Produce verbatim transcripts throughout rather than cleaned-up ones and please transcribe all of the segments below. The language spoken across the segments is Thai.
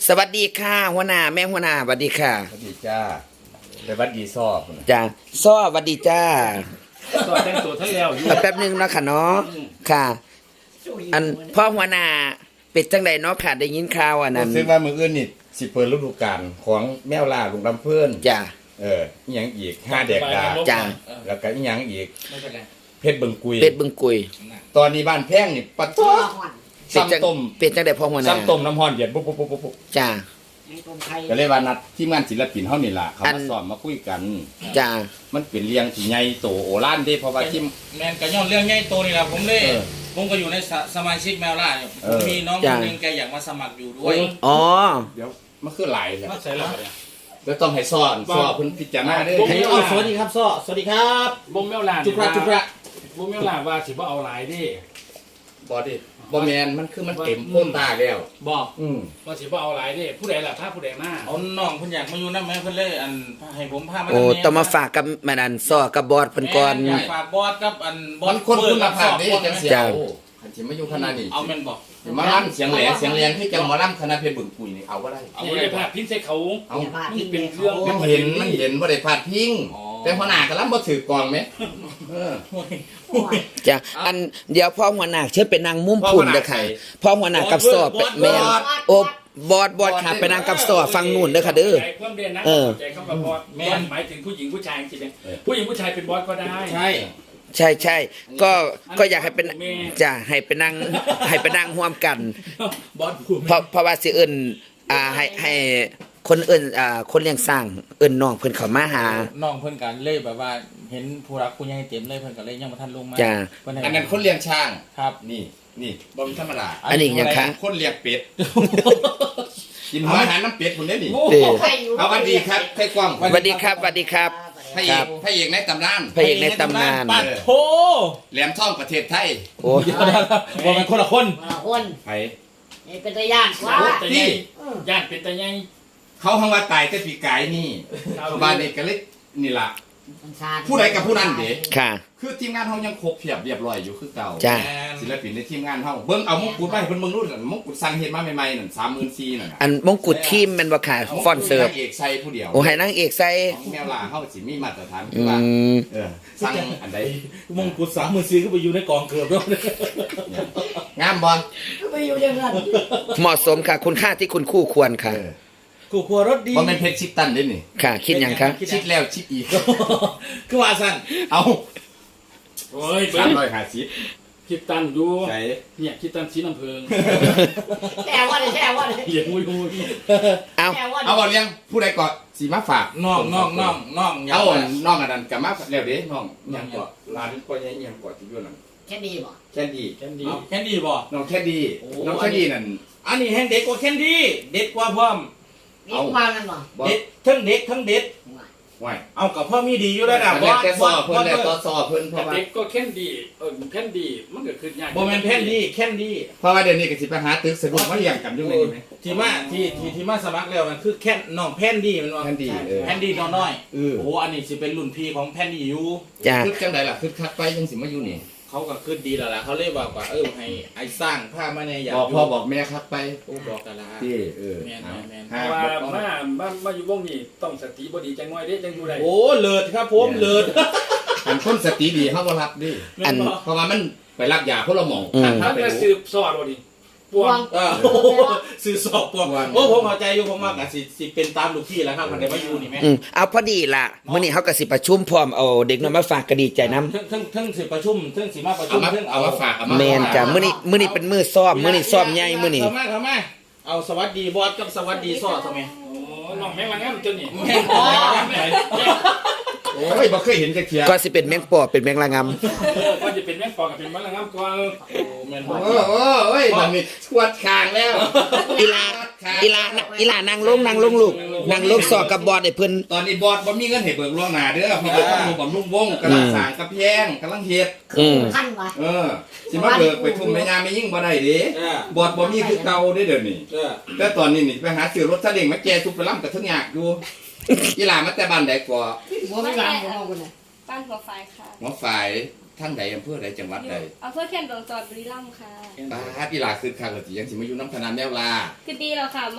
สวัสดีค่ะหัวหน้าแม่หัวหน้าสวัสดีค่ะสวัสดีจ้าไปวัดดีซอบจ้าซ้อสวัสดีจ้าสอดแต่งตัวทั้งแล้วอยู่แป๊บนึงเนาะค่ะเนาะค่ะ อันพ่อหัวหน้าเป็ดจังใดเนาะค่ะได้ยินข่าวอันนั้นซึ่งว่ามืออื่นนี่สิเปิดฤดูกาลของแมวล่าลุงลำเพื่อนจ้าเอออีหยังอีกห้าแดกดาจ้าแล้วก็อีหยังอีกไม่เป็นไรเพชรบึงกุยเป็ดบึงกุยตอนนี้บ้านแพงนี่ปะท้อเป็ดจังซ้ำต้มเป็ดจังใดพ่อหัวหน้าซ้ำต้มน้ำฮ้อนเดือดปุ๊บปุ๊บปุ๊บปุ๊บจ้าก็เลยว่านัดทีมงานศิลปินเฮานี่ล่ะเขาอัมาน สอนมาคุยกันจ้ามันเป็นเรียงที่ใหญ่โตโอฬารเด้เพราะว่าทีมแมนก็ย้อนเรื่องใหญ่โตนี่แหละผมเลยเออผมก็อยู่ในสสมาชิกแมวล่าเนี่ยเอผมอมีน้องคนหนึงแกอยากมาสมัครอยู่ด้วยอ๋อเดี๋ยวมันคือหลายแหละมาใส่แล้วเนี่ยเดี๋ยวต้องให้สอนสอนเพิ่นพิจารณาเด้อผมเอาสวัสดีครับซ้อสวัสดีครับบ่มแมวลานจุกระจุกระบ่มแมวลานว่าสิบ่เอาหลายดิบ่ดิบ่แม่นมันคือมันเต็มโพ้นตาแล้วบอกอืมว่าสิบ่เอาหลายดิผู้ใดล่ะถ้าผู้ใดมาเอาน้องเพิ่นอยากมาอยู่นำแม่เพิ่นเลยอันให้ผมพามาโอ้นำแต้องมาฝากกับแม่นันซ้อกับบอสเพิ่นก่อนแม่อยากฝากบอสกับอันบอมัสนคนคุณภาพเด้เปิจัดงกับเสีสยอบโอ้คันสิมาอยู่คณะนี้เอาแม่นบอกมาล่ำเสียงแหลมเสียงแหลมที่จังหมอล่ำคณะเพชรบึงกุยนี่เอาบ่ได้เอาไว้ได้ภาพพิมพ์ใส่เขาเอามันเป็นเรื่องมันเห็นมันเห็นบ่ได้พลาดพิงแต่หัวหน้าก็ล่ำบ่ถือกองไหมเออจ้าอันเดี๋ยวพ่อหัวหน้าเชิญไปนั่งมุมพุ่นเด้อค่ะพ่อหัวหน้ากับซ้อไปแม่นโอ้บอสบอสค่ะไปนั่งกับซ้อฟังนู่นเด้อค่ะเด้อใจความเด่นนะเออใจคำว่าบอสบอสหมายถึงผู้หญิงผู้ชายจริงๆผู้หญิงผู้ชายเป็นบอสก็ได้ใช่ใช่ใช่ก็ก็อยากให้เป็นจะให้ไปนั่งให้ไปนั่งร่วมกันบอสผู้เพราะเพราะว่าสิเอิ้นอ่าให้ให้คนเอิ้นอ่าคนเลี้ยงสร้างเอิ้นน้องเพิ่นเข้ามาหาน้องเพิ่นกันเลยแบบว่าเห็นผู้รักผู้ใหญ่เต็มเลยเพิ่นก็เลยยังบ่ทันลงมาจ้ะเพิ่ให้อันนั้นคนเลี้ยงช้างครับนี่นี่บ่มีธรรมดาอันนี้ยังคะคนเลี้ยงเป็ดกินหัวอาหารน้ำเป็ดพุ่นเด้นี่เด้อเอาวันดีครับไข่กว้างสวัสดีครับสวัสดีครับพระเอครักบพระเอกในตำนานพระเอกในตำนานปัดโถแหลมท่องประเทศไทยโอ้เดี๋ยวนะบ่แม่นคนละคนคนไผนี่เป็นตัวอย่างว่าแต่ยังญาติเป็นแต่ยังเขาหังว่าตายแต่ปีกายนี่บ้านนี้ก็เลยนี่ล่ะผู้ใดกับผู้นั้นเด้ค่ะคือทีมงานเฮายังครบเพียบเรียบร้อยอยู่คือเก่าจ้าศิลปินในทีมงานเฮาเบิ่งเอามงกุฎมาให้เพิ่นเบิ่งนู่นน่ะมงกุฎสั่งเฮ็ดมาใหม่ๆนั่น สามหมื่นสี่พัน นั่นน่ะอันมงกุฎทีมแม่นบ่ค่ะฟอนเสิร์ฟมงกุฎนางเอกใส่ผู้เดียวโอ้ให้นางเอกใส่ของแมวล่าเฮาสิมีมาตรฐานคือือว่าม เออสั่งอันใดมงกุฎสามหมื่นสี่ก็ไปอยู่ในกองเกือบแล้วงามบ่ก็ไปอยู่อย่างนั้นเหมาะสมค่ะ คุณค่าที่คุณคู่ควรค่ะเออกูกลัวรถดีบ่แม่นเพชรชิดตันเด้นี่ค่ะ คิดหยังคะชิดแล้วชิดอีกคือว่าสั่นเอาโอ้ยเบิ้สามงร้อยห้าสิบคิดตันอยู่ใส่เนี่ยคิดตันสีน้ำเพิงแช่ว่าเลยแช่ว่าเลยเหยียบมุยมุยเอาแช่ว่าเอาบ่เลี้ยงผู้ใดก็สิมาฝากน้องน้องน้องน้องอย่าเอาว่าน้องอันนั้นก็มาแล้วเด้น้องหยังก็ร้านก็ยังยังก็ที่อยู่นั่นแค่ดีบ่แค่ดีแคนดีเอาแคนดี้บ่น้องแค่ดีโอ้น้องแค่ดีนั่นอันนี้แห้งเด็กกว่าแคนดี้เด็ดกว่าพร้อมนี่มากันบ่บ่เด็ดทั้งเด็กทั้งเด็ดไหวเอากับพ่อมีดีอยู่แล้วนะอันนี้แต่ซอเพิ่นแล้วต่อซอเพิ่นเพแต่ราะว่าเด็กก็แคนดีเออแคนดีมันก็คือยากบ่แม่นแคนดี้แคนดี้เพราะว่าเดี๋ยวนี้ก็สิไปหาตึกสะดุดมาเลี้ยงกันอยู่ในนี้ไหมที่มาที่ที่ที่มาสมัครแล้วมันคือแคนน้องแพนดี้มันว่าแคนดี้เออแพนดี้น้องน้อยเออโอ้โหอันนี้สิเป็นรุ่นพี่ของแพนดี้อยู่จ้าคึกจังไดล่ะคึกคักไปยังสิมาอยู่นี่เขาก็คือดีแล้วล่ะเขาเลยบอกว่าเออให้ไอ้สร้างผ้ามาในอยากบอกพ่อบอกแม่คักไปโอ้บอกกันละที่เออเพหาราะว่าบ่ต้องมามามาอยู่วงนี้ต้องสติบ่ดีจังน้อยเด้จังอยู่ได้โอ้เลิศครับผมเลิศอันคนสติดีเฮาบ่รับดิอันเพราะว่ามันไปรับยาคนละหม่องอืมท่านถ้าไปจะรู้สืบสอดบ่ดิปวงเออสื่อสอบพวกวันโอ้ผมเข้าใจอยู่ผมมากอ่ะสิสิเป็นตามลูกพี่แล้วครับมันได้มาอยู่นี่แม่อืมเอาพอดีล่ะมื้อนี้เฮาก็สิประชุมพร้อมเอาเด็กน้อยมาฝากก็ดีใจนํทั้งทั้งทั้งสิประชุมทั้งสิมาประชุเอามมาทั้งเอามาฝากเอามาแม่นจ้ะมื้อนี้มื้อนี้เป็นมื้อซ้อมมื้อนี้ซ้อมใหญ่มื้อนี้เข้ามาเข้ามาเอาสวัสดีบอสกับสวัสดีซ้อทำไมโอ้น้องแม่งละงามตัวนี้แม่งอ๋อแม่งโอ้ยบ่เคยเห็นจักเที่ยก็สิเป็นแมงปอเป็นแมงละงำเออก็จะเป็นแม่งปอกกับเป็นแม่งละงามก่อนโอ้แม่นบอโอ้โอ้เอ้ยมันมีชวดคางแล้วอีลาอีลาอีลานั่งลงนั่งลงลูกนั่งลงสอกับบอสให้เพิ่นตอนนี้บอสบ่มีเงินให้เบิกล่วงหน้าเด้อเพราะว่าต้องมีบำรุงวงกำลังสร้างกระแพงกำลังเฮ็ดอืมขั้นว่ะเออสิมาเบิกไปทุ่มแม่ยาไม่ยิ่งบ่ได้เด้เออบอสบ่มีคือเก่าเด้เดี๋ยวนี้เออแต่ตอนนี้นี่ไปหาซื้อรถซาเล้งมาแก่ทุบไปล้ำกับทั้งยากอยู่ อีหลามาแต่บ้านใดก่อบ่มีหลังบ่คนน่ะบ้านหัวไฟค่ะหัวฝ่ายทั้งใดอำเภอใดจังหวัดอยู่ใดอำเภอเขียนดวงจอดบุรีรัมย์ค่ะป้าดอีหลาคือคักก็สิยังสิมาอยู่น้ำคณะแนวลาคือดีแล้วค่ะมา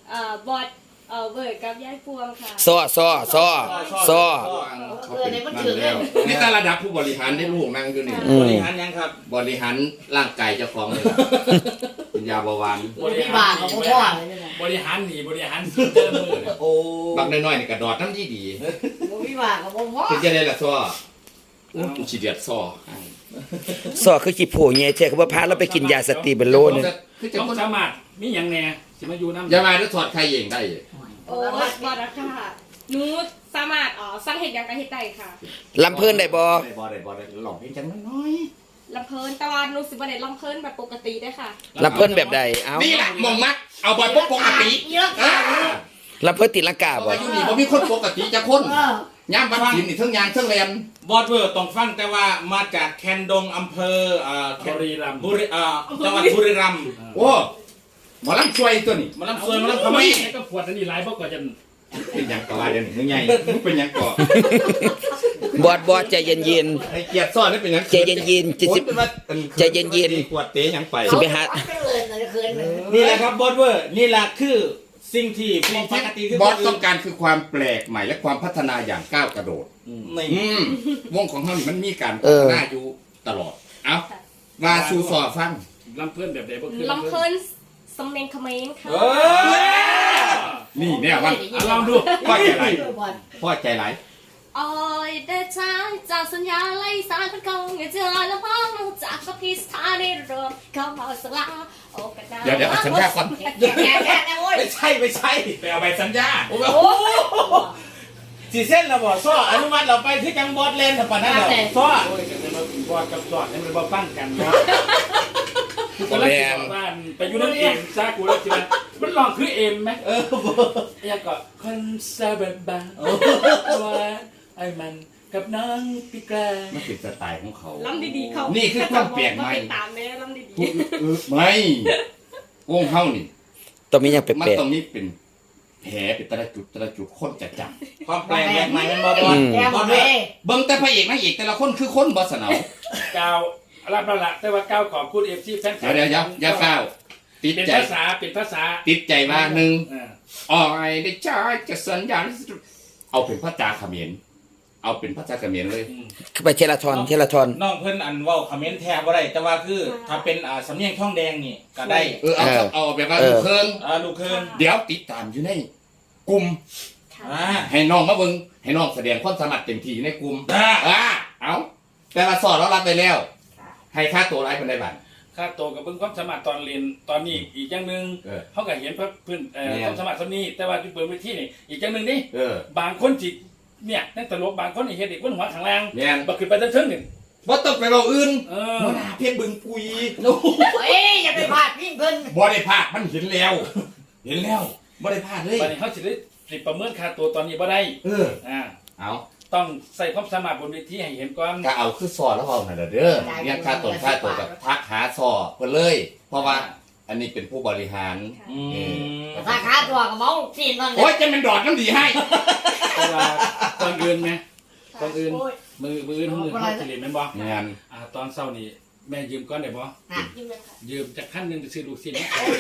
เอ่อบอดเอ่อเบิร์ดกับยายพวงค่ะซ้อซ้อซ้อซ้อเขาเป็นนั่นแล้วนี่แต่ระดับผู้บริหารได้ลูกนั่งอยู่นี่อืบมริหารยังครับบริหารร่างกายเจ้าของเลยเป็นยาเบาหวานพี่บ้าของพ่อเลยเนี่ยบริหารหนีบริหารเจอมือเนี่ยโอ้บักน้อยๆนี่กระดอดน้ำที่ดีพี่บ้าของพ่อเป็นจะได้ละซ้ออู้กูฉีเดียดซ้อซ้อคือขี้โผล่เงี้ยแท้คือว่าพาเราไปกินยาสตีเบลโลเนี่ยคือจะต้องคนสามารถมีอย่างแน่สิมาอยู่น้ำอย่ามาด้วยถอดใครเองได้โอ้ยบอดอะค่ะหนูสามารถอ๋อสร้างเหตุอย่างกระเหตุใดค่ะลำเพิ่นได้บ่ได้บ่ได้บ่ได้หลอกเพียงจังน้อยลำเพลินแต่ว่าหนูสิบ่ได้ลำเพลินแบบปกติได้อค่ะลำเพิ่นแบบใดเอ้านี่แหละมองมักเอาบอยปกติเยอะอ่าลำเพิ่นติดลังกาเพราะบ่ว่าอยู่นี่บ่มีคนปกติจะคนเออย่ามบ้านกินนี่เทั้งยางเทั้งแรมบอดเวอร์ต้องฟังแต่ว่ามาจากแคนดงอำเภอเอ่อแคบนริรัมย์บุรีเอ่อจังหวัดบุรีรัมย์โอ้หมอลำช่วยตัวนี้มาลำซวยมาลำทำขไมมิ้นก็ปวดอันนี้หลายเพราะก่อนจะเป็นหยังก่อว่าเดี๋ยวนี้มึงไงมึงเป็นหยังก่อบอดบอดใจเย็นไอ้เกียรติซ่อนนี่เป็นหยังใจเย็นๆจิตสิโอ้ยเป็นว่าอัใจเย็นๆขวดเตะหยังไปสิไปหาคืนเลยคืนเลยนี่แหละครับบอดเวอร์นี่แหละคือสิ่งที่ปกติคือบอสต้องการคือความแปลกใหม่และความพัฒนาอย่างก้าวกระโดดนี่อืมวงของเขานี่มันมีการเอพัอฒนาอยู่ตลอด เอามาสู่สอฟังลำเพื่อนแบบใดบ่คือลำเพลินสำเนียงเขมรค่ะเออนี่เนี่ยว่าอ่ะลองดูพ่อใจไหลพ่อใจไหลโอ้ยเดชาจากสัญญาไล่สารพันกองอย่าเจอแล้วพ้องจากสพิสถานีเรือเข้ามาสลาโอ้กันนะเดี๋ยวเดี๋ยวเอาสัญญาก่อนแย่แย่แย่นะโว้ยไม่ใช่ไม่ใช่ไปเอาใบสัญญาโอ้โหสีเส้นเราบอกซ้ออนุมัติเราไปที่จังบอดเลนถ้าปานนั้นเราซ้อโอ้ยกันเลยมาบอดกับสอดให้มันบ่ฟังกันเนาะกูแล้วสิบอกว่าไปอยู่นั่นเองซะกูแล้วสิว่ามันลองคือเอ็มไหมเออยังก็คอนเสิร์ตบ้างว่าไอ้มันกับน้องพี่แกรมันเป็นสไตล์ของเขาลำดีๆเขานี่คือความแปลกใหม่ไปตามแม่ลำดีพูดเออไม่วงเฮานี่ต้องมีอย่างแปมันลกตรงนี้เป็นแผลเป็นแต่ละจุดแต่ละจุดคนจะจำความแปลกแหวกใหม่มันบอดๆอืมแย่หมดเลยเบิ่งแต่พระเอกนางเอกแต่ละคนคือคนบอสนาวก้าวรับแล้วละแต่ว่าก้าวขอบคุณเอฟซีแฟนคลัเดี๋ยวเดี๋ยวอย่าอย่าก้าวติดเป็นใจภาษาเป็นภาษาติดใจว่าหนึ่งอ่าออยได้จ้าจะสัญญาณเอาเป็นพระจาเขมรเอาเป็นพระจาเขมรเลยอืมไปเทละทอนเทละทอนน้องเพิ่นอันเว้าคอมเมนต์แทบบ่ได้แต่ว่าคือถ้าเป็นอ่าสำเนียงท่องแดงนี่ก็ได้เออเอาเออเอาแบบว่าเออเพิ่งอ่าลูกเคินเดี๋ยวติดตามอยู่ในกลุ่มอ่าให้น้องมาเบิ่งให้น้องแสดงความสามารถเต็มที่ในกลุ่มอ่าอ่าเอาแต่ละสอนเรารับไปแล้ว ให้ค่าตัวไรเป็นไรบ้างค่าโตวกับเพิ่งความสามารถตอนเรียนตอนนี้อีกอย่างหนึ่งเออเขาก็เห็นเพื่อนเอ่อแม่นความสามารถตอนนี้ แต่ว่าที่เปิดเวทีนี่อีกอย่างหนึ่งนี่เออบางคนจิเนี่ยนั่นตลกบางคนนี่เฮ็ดเด็กคนหัวข้างล่างแม่นบักขึ้นไปเทิงๆนี่ว่าต้องไปเราอื่นเออหัวหน้าเพชรบึงปุยเฮ้ยอย่าไปพลาดพี่เพิ่นบ่ได้พลาดมันเห็นแล้ว เห็นแล้วบ่ได้พลาดเลยบัดนี้เขาสิได้สิประเมินค่าตัวตอนนี้บ่ได้เอออ่าเอาต้องใส่ความสามารถบนเวทีให้เห็นก่อนก็เอาคือสอนแล้วเอาหน่อยเด้อเรียกค่าตัวค่าตัวกับทักหาสอเพิ่นเลย เพราะว่าอันนี้เป็นผู้บริหารอืมราคาตัวกับเมาสี่นั่นเลโอ้ยยจะเป็นดอดน้ำดีให้แต่ว่าตอนอื่นไหมตอนอื่นโอ้ยมือมืออื่นมือเขาสิเรียนแม่นบ่งานอ่าตอนเช้านี่แม่ยืมก่อนได้บ่ๆยิ้มเลยค่ะยืมจากขั้นหนึงไปซื้อลูกชิ้น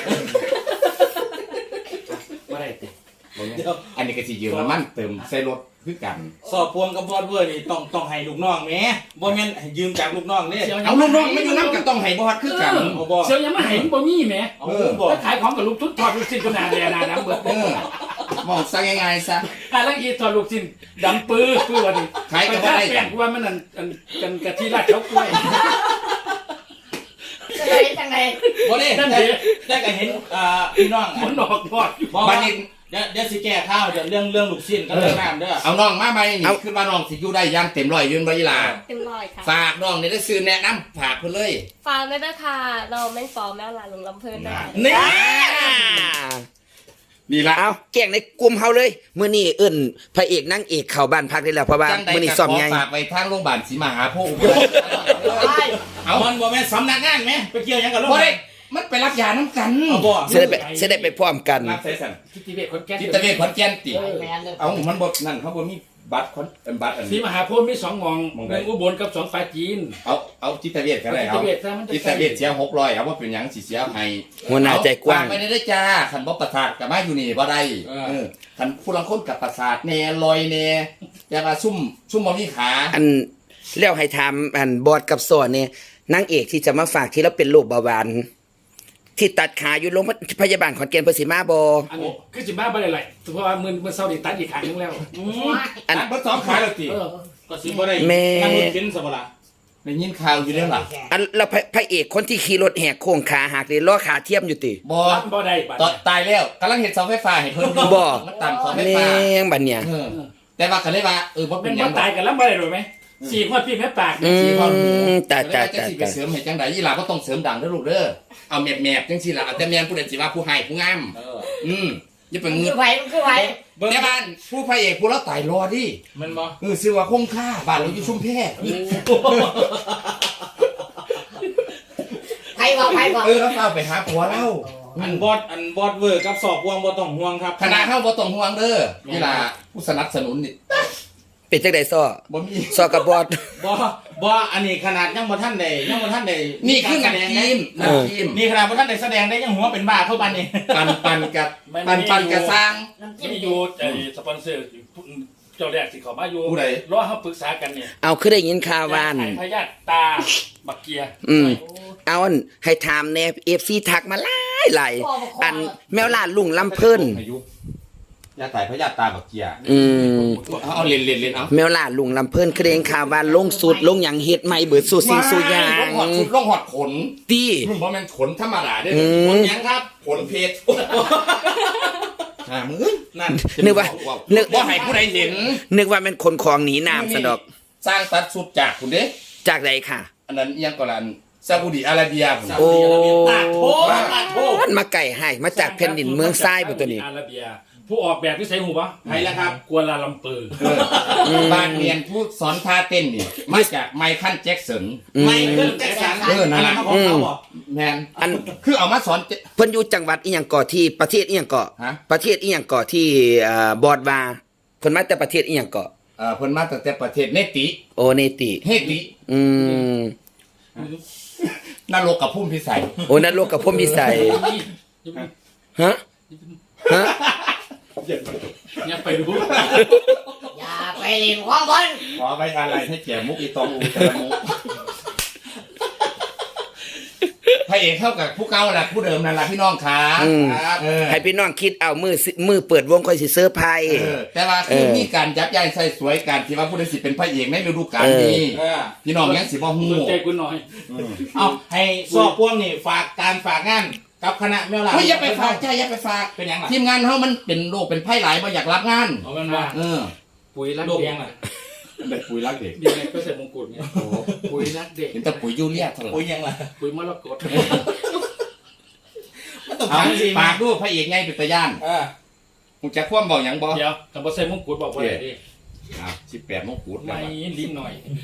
บ่ได้ติอันนี้ก็สิยืมน้ำมันเติมใส่รถคือกันสอบพวงกับบอดเวอร์นี่ต้องต้องให้ลูกน้องแหมบ่แม่นให้ยืมจากลูกน้องเด้เอาลูกน้องไม่อยู่น้ำก็ต้องให้บอดคือกันเอาบ่เสียวยังมาให้บ่มีแหมเอาบ่ถ้าขายของกับลูกทุนทอดลูกชิ้นก็หนาแดหนาดำเบิดเออมองซะง่ายๆซะอ่ะแล้วอีทอดลูกชิ้นดำปื้อปื้อว่าดิขายก็ไปบ่ทาได้แป้งกูว่ามันนั่นอันกันกะทิราดเฉากล้วยจะได้จังไงบ่ได้นั่นแต่ดิแต่ก็เห็นอ่าพี่น้องหมุนออกทอดอยู่บ่บัว่าดนี้เดี๋ยวเดี๋ยวสิแก้ข้าวเดี๋ยวเรื่องเรื่องลูกชิ้นก็เรื่องน้ำเด้อเอาน้องมาไหมนี่คือว่าน้องสิอยู่ได้อย่างเต็มร้อยยืนบ่ยีหลาเต็มร้อยค่ะฝากน้องนี่ได้ซื้อแนะนำฝากเพิ่นเลยฝากด้วยนะคะเราไม่ฟอร์มแม่หลานลงลำเพลินได้นี่ นี่ละเอาแก่งในกลุ่มเฮาเลยมื้อนี้เอิ้นพระเอกนางเอกเข้าบ้านพักได้แล้วเพราะว่าจังใดมื้อนี้ก็ซ้อมขอใหญ่ฝากไว้ทางโรงพยาบาลศรีมหาโพธิ์ไปเอามันบ่แม่นสำนักงานไหมไปเกี่ยวหยังกับโรงบ่พยาบาได้ลมันไปรับยาน้ำกันเอาบ่สิได้ไปสิได้ไปพร้อมกันรับใส่สั่นคิดที่เวทคนแก่จิตเวชขอนแก่นติแมนเลยเอามันบ่นั่นเขาบ่มีบัตรคอนเป็นบัตรอันสีนี้มหาโพธิ์มีสองหมองหม้องหใดนึ่งอุบลกับสองปาจีนเอาเอาจิตเวชก็ได้จิเอาตเวชซะมันจะจิตเวชเสียหกร้อยเอาว่าเป็นหยังสิเสียให้หัวหน้าใจกว้างเอฝไปได้ได้จ้าคันบ่ประสาทกับมาอยู่นี่บ่ได้เออคันผู้ลังคนกับประสาทแน่ลอยแน่แต่ว่าซุ่มซุ่มบ่มีขาอันแล้วให้ถามอันบอดกับสอนเนี่ยนางเอกที่จะมาฝากที่เราเป็นโรคเบาหวานที่ตัดขาอยู่โรงพยาบาลขอนแก่นเพิ่นสิมาบ่อันนี้คือสิบ้าบ่ได้ไหลเพราะว่ามือมือเศร้าดิตัดอีกครั้งนึงแล้วอันอันบ่สองขาแล้วติเออก็สิบ่ได้แม่นั่งรถเข็นสบละได้ยินข่าวอยู่แล้วล่ะอันแล้วพระพระเอกคนที่ขี่รถแหกโค้งขาหักเลยล้อขาเทียมอยู่ติบ่บ่ได้บัดตอนตายแล้วกำลังเฮ็ดเสาไฟฟ้าให้เพิ่นอยู่บ่มันตามเสาไฟแม่ฟ้างบัดเนี่ยเออแต่ว่าก็เลยว่าเออบ่เป็เป็น นหบ่ยังตายกันแล้วบ่ได้รู้ไหมสี่คนพี่แม่ปากอืมตาแต่ตาแต่ตาสิไปตาเสริมให้จังได๋อีหล่าบ่ต้องเสริมดังเด้อลูกเด้อเอาแมบๆจังซี่ล่ะเอาแต่แม่นผู้ใดสิว่าผู้ให้ผู้งามเอออืมอย่าไปมันงึคืดอไผมันคือไผเบิ่งแต่บ้านผู้พระเอกผู้เราตายรอดิมันบ่เออชื่อว่าคงค่าบ้านเราอยู่ชุมแพไผบอกไผบอกเออแล้วเอาไปหาผัวเราอันบอดอันบอดเวอร์กับสอบวงบ่ต้องห่วงครับคณะเฮาบ่ต้องห่วงเด้อนี่ล่ะผู้สนับสนุนนี่เป็นจังได๋ซ้อบ่มีซ้อกับบอดบ่บ่อันนี้ขนาดยังบ่ทันได้ยังบ่ทันได้นี่คือการน้ำแสดทีงมได้น้ำทีมนี่ขนาดบ่ทันได้แสดงได้ยังหัวเป็นบ้าเข้าบันนี่ปันปันกับปันปันกับสร้างน้ำจิ้มมีอยู่ไอ้สปอนเซอร์เจ้าแรกสิเขามาอยู่ผู้ใดรอเฮาปรึกษากันเนี่ยเอาคือได้ยินข่าวว่าอันไอ้พยาธิตาบักเกียอืมเอาอันให้ถามแน่ เอฟ ซี ทักมาหลายหลายอันแมวล่าลุงลำเพิ่นอายุยาตายพระยาตาบักเกียอืมเอาเอาเล่นเล่นเล่นเอาแมวล่าลุงลำเพิ่นคือได้ยินข่าวว่าลงสุดลงหยังเฮ็ดใหม่เบิดสู่สิ่งสู่อย่างลงหอดชุดลงหอดขนตี้มึงบ่แม่นขนธรรมดาเด้ออืมขนหยังครับขนเพชรอ่ามึงนั่นนึกว่านึกบ่ให้ผู้ใดเห็นนึกว่าเป็นคนของหนีน้ำซะดอกสร้างตัดสุดจากคุณเด้จากใดค่ะอันนั้นอิหยังก็ลันซาอุดิอาระเบียพุ่นโอ้ตากโทตากโทมันมาไก่ให้มาจากแผ่นดินเมืองทรายบ่ตัวนี้อาระเบียผู้ออกแบบที่ใส่หูปะไผล่ะครับกัวลาลัมเปอร์เออบ้านเรียนผู้สอนท่าเต้นนี่มาจากไมเคิลแจ็คสันอืมไม่เพิ่นแจ็คสันเออนั่นล่ะอัของเขาบ่แมนอันคือเอามาสอนเจเพิ่นอยู่จังหวัดอีหยังเกาะที่ประเทศอีหยังเกาะฮะประเทศอีหยังเกาะที่เอ่อบอดว่าเพิ่นมาแต่ประเทศอีหยังเกาะเอ่อเพิ่นมาตั้งแต่ประเทศเนติโอเนติเฮติอืมนรกกับพุ่มพิสัยโอนั่นโลกกับพ่อมีใส่ฮะฮะอย่าไปรู้อย่าไปเล่นของเพิ่นขอไว้อะไรให้แก่มุกอีตองอูแต่ละมุกพระเอกเข้ากับผู้เก่าแหละผู้เดิมนั่นแหละพี่น้องขาอืมครับเออให้พี่น้องคิดเอามือสิมือเปิดวงค่อยสิเซอร์ไพรส์เออแต่ว่าคือเออมีการยับยั้งใส่สวยการที่ว่าผู้ใดสิเป็นพระเอกในฤดูกาลนี้เออพี่น้องยังสิบ่ฮู้สนใจกูหน่อยเอาให้สอบพวงนี่ฝากการฝากงานกับคณะแมวล่าเฮ้ยอย่าไปฝากใจอย่าไปฝากเป็นหยังล่ะทีมงานเฮามันเป็นโรคเป็นไพ่หลายบ่อยากรับงานเอาเป็นว่าเออปุ๋ยรักโลกเด็ยักงล่ะได้ปุ๋ยรักเด็กดีไงก็ใส่มงกุฎเนี่ยปุ๋ยรักเด็กเห็นแต่ปุ๋ยยูเรียเท่าไหร่โอ้ยยังล่ะปุ๋ยมรกตมันต้องเอาถามสิฝากดูพระเอกไงเป็นตาย่านเออมึงจะคว่ำเบาหยังบ่เดี๋ยวคำว่าใส่มงกุฎบอกว่าอะไรดิอ่ะสิบแปดมงกุฎไม่ลิ้นหน่อย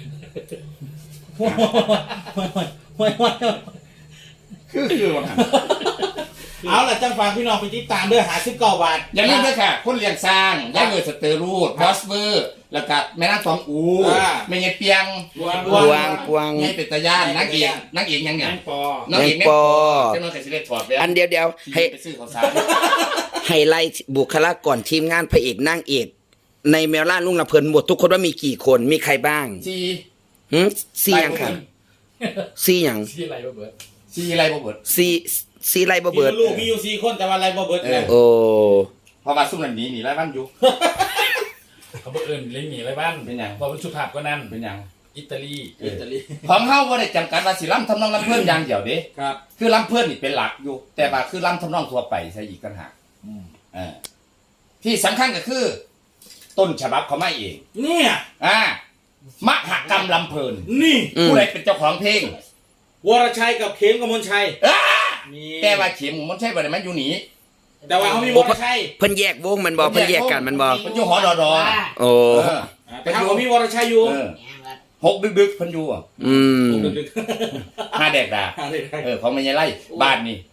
คือคือว่าเอาล่ะจังฝากพี่น้องไปติดตามเด้อหาสิบเก้าบาทอย่าลืมด้วยค่ะ คนเลี้ยงสร้างย่าเกิดสเตอรูดบอสเวอร์ แล้วก็แม่นางสองอูไม่ใช่เปียงกวางกวางไงเป็นตาย่านนักเอกนักเอกยังไงแมงปอนักเอกแม่งปอเจ้าน้องเคยสิได้ถอดแหวนอันเดียวเดียวให้ไปซื้อข้าวสารให้ไล่บุคลากรทีมงานพระเอกนางเอก ในแมวล่าลุงละเพิ่นหมดทุกคนว่ามีกี่คนมีใครบ้างซีหืมซีหยังค่ะซีหยังที่อะไรวะเบิร์ดซีอะไรบ่เบิดซีซีไรบ่มีเบิดลูกมีอยู่สี่คนแต่ว่าอะไรบ่เบิดเลยโอ้เพราะว่าซุ่มนั่นหนีหนีไล่บ้านอยู่เขาบอกเอิญเลี้ยงหนีอะไรบ้านเป็นหยังบอกเป็นสุภาพก็นั่นเป็นหยังอิตาลีอิตาลีของเฮาบ่ได้จำกัดว่าสิล้ำทำนองล้ำเพิ่นอย่างเดียวเด้ครับคือล้ำเพิ่นนี่เป็นหลักอยู่ แต่ว่าคือล้ำทำนองทั่วไปใช่อีกต่างหากเออที่สำคัญก็คือ ต้นฉบับเขาไม่เองเนี่ยอ่ามหกรรมลำเพลินนี่อืมผู้ใดเป็นเจ้าของเพลงวรชัยกับเข็มกมลชัยอ้านี่แต่ว่าเข็มมันใช่บ่ได้มันอยู่หนีแต่ว่าเขามีวรชัยเพิ่นแยกวงมันบ่เพิ่นแยกกันมันบ่มันอยู่หอดอดอโอ้เออแต่เขามีวรชัยอยู่เออหกดึกๆเพิ่นอยู่อ่ะอืมดึกห้าแดกดาๆอะไรได้เออเขาไม่ใช่ไล่บ้านนี่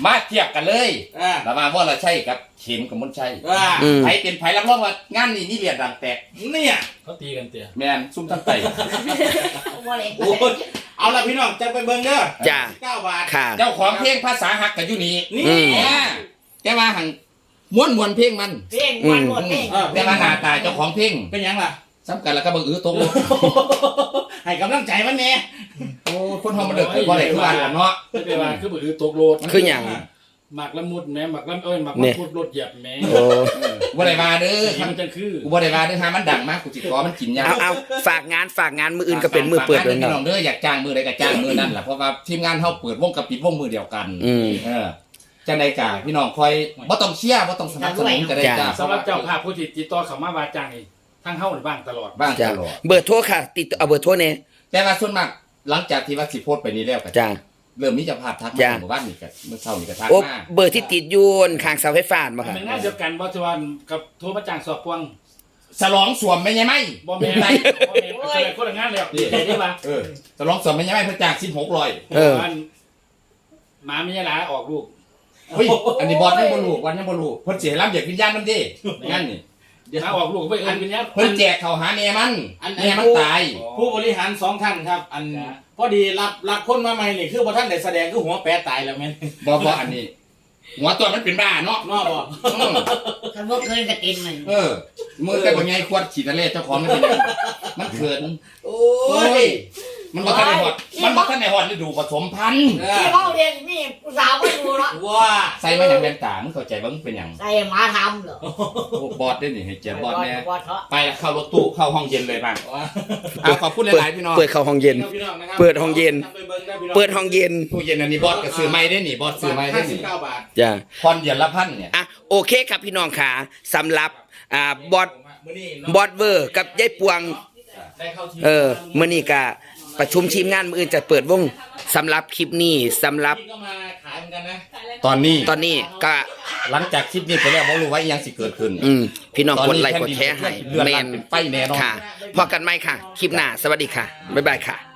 มาเทียบกันเลยอ่าระหว่างวรชัยกับเข็มกับมนชัยอ่าอืมไผเป็นไผรับรองว่างานนี้นี่เรียนดังแตกเนี่ยเขาตีกันเตี้ยแม่นซุ่มทั้งไตว่าเลยโอ้ยเอาละพี่น้องจะไปเบิ่งเด้อจ้าเก้าบาทค่ะเจ้าของเพลงภาษาฮักกับอยู่นี่นี่อืมอ่าแต่ว่าหังม้วนมวนเพลงมันเพลงวันหมดเพลงเออแต่ว่าหน้าตาเจ้าของเพลงเป็นหยังล่ะสำคัญแล้วก็บังเอิญตกลงให้กำลังใจมันแน่โอ้คนเฮามันเดือดบ่ได้คือว่าล่ะเนาะไม่เป็นว่าคือบ่อือตกโลดคือหยังหมักละมุดแหม่หมักละเอ้ยหมักเนี่ละยมุดรถเหยียบแหม่โอ้บ่ได้มาเด้อสีมันจังคือกูบ่ได้มาเด้อหามันดังมากกูสิขอมันกินยาเอาเอาฝากงานฝากงานมืออื่นก็เป็นมือเปิดด้วยพี่เนาะน้องเด้ออยากจ้างมือใดก็จ้างมือนั่นล่ะเพราะว่าทีมงานเฮาเปิดวงกับปิดวงมือเดียวกันอืมเออจังได๋กะพี่น้องคอยบ่ต้องเชียร์บ่ต้องสนับสนุนก็ได้จ้าสำหรับเจ้าภาพผู้ที่ติดต่อเข้ามาว่าจ้างนี่ทั้งเฮานี่บ้างตลอดบ้างจ้าตลอดเบอร์โทรค่ะ ติดต่อเอาเบอร์โทรเนี่ยแต่ว่าส่วนมากหลังจากที่ว่าสิโพสต์ไปนี้แล้วก็จ้าเริ่มมีเจ้าภาพทักมาจ้ะหมู่บ้านนี่ก็เมื่อเช้านี่ก็ทักโอ้มาเบอร์ที่ติดอยูนข้างเสาไฟฟ้าบ่ค่ะเป็นงานเดียวกันบ่ทวันกับโทรมาจ้างสอบพวงฉลองสวมไม่ใช่ไหมบ่แม่นบ่แม่นแสดงคนละงานแล้วดีใจได้ป่ะเออฉลองสวมไม่ใช่ไหมเพิ่นจ้างสิบหกร้อยเออวันหมามีหลาออกลูกเฮ้ยอันนี้บอสยังบ่รู้วันยังบ่รู้เพิ่นสิให้รับเด็กวิญญาณนำเด้งั้นนี่หมาออกลูกไปเอิ้นเป็นยังเพิ่นแจกเข้าหาแม่มันแม่มันตายผู้บริหารสองท่านครับ อันพอดีรับรับคนมาใหม่นี่คือพอท่านได้แสดงคือหัวแปรตายแล้วแม่นบ่บ่อันนี้ หัวตัวมันเป็นบ้าเนาะนอกบ่อืมถ้าพวกเคยกระตินมันเออมือแต่บ่ใหญ่ขวดฉีดทะเลเจ้าของมันเป็นหยังมันเขินโอ้โอ้ยยมันบ่ทันได้ฮอดมันบ่ทันได้ฮอดฤดูผสมพันธุ์เอที่อเขาเรียนนี่ผู้สาวไม่ดูเนาะว้าใส่มาอย่างแว่นตามึงเข้าใจบ่มึงเป็นหยังใส่หมาทำเหรอโอ้บอสได้นี่ให้เกียรติบอสแน่บอสเถอะไปละเข้ารถตู้เข้าห้องเย็นเลยบ้างว้าอ่ะขอบคุณหลายๆพี่น้องเปิดเข้าห้องเย็นพี่น้องนะครับเปิดห้องเย็นไปบิ่งได้พี่น้องเปิดห้องเย็นตู้เย็นอันนี้บอสก็ซื้อไม้ได้นี่บอสซื้อไม้ได้ห้าสิบนี่เก้าบาทจ้าพรเดือนละพันเนี่ยอ่ะโอเคครับพี่น้องขาสำหรับอ่าบอสมื้อนี้บอสเวอร์กับยายปวงได้เข้าทีเออมื้อนี้ก็ประชุมทีมงานมื้ออื่นจะเปิดวงสำหรับคลิปนี้สำหรับพี่ก็มาขายเหมือนกันนะตอนนี้ตอนนี้ก็หลังจากคลิปนี้ไปแล้วบ่รู้ว่าอิหยังสิเกิดขึ้นอืมพี่น้องกดไลค์กดแชร์ให้เดือนแมละนเป็นไปแน่นอนค่ะพอกันไหมค่ะ คลิปหน้าสวัสดีค่ะ บ๊ายบายค่ะ